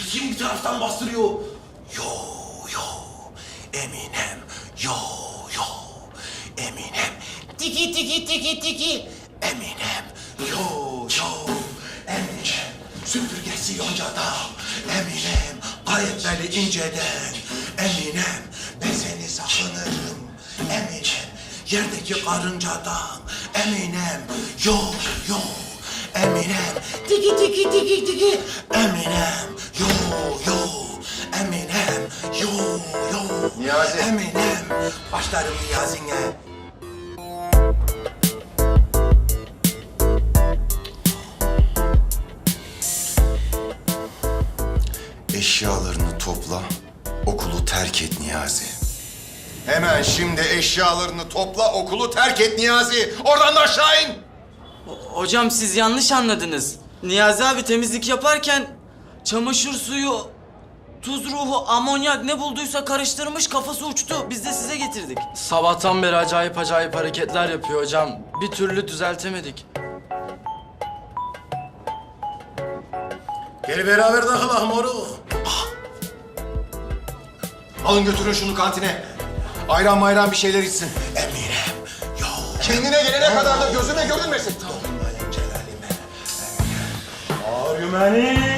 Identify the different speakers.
Speaker 1: Kim bir taraftan bastırıyor? Yo yo. Eminem. Yo yo. Eminem. Tiki tiki tiki tiki. Eminem. Yo yo. Eminem. Süpürgesi yoncada. Eminem. Ayetleri inceden. Eminem. Ben seni sakınırım. Eminem. Yerdeki karıncadan. Eminem. Yo yo. Eminem. Tiki tiki tiki tiki. Eminem. Yo yo. Eminem. Yo yo.
Speaker 2: Niyazi.
Speaker 1: Eminem. Başlarım Niyazi'ne.
Speaker 2: Eşyalarını topla, okulu terk et Niyazi. Hemen şimdi eşyalarını topla, okulu terk et Niyazi. Oradan da aşağı in.
Speaker 3: Hocam siz yanlış anladınız. Niyazi abi temizlik yaparken çamaşır suyu, tuz ruhu, amonyak ne bulduysa karıştırmış, kafası uçtu. Biz de size getirdik.
Speaker 4: Sabahtan beri acayip acayip hareketler yapıyor hocam. Bir türlü düzeltemedik.
Speaker 1: Gel beraber takılalım moruk.
Speaker 2: Alın götürün şunu kantine. Ayran mayran bir şeyler içsin.
Speaker 1: Eminem. Yo.
Speaker 2: Kendine gelene kadar da gözüme görünmesin.
Speaker 1: Dokunmayın Celal'ime.
Speaker 5: Argümeni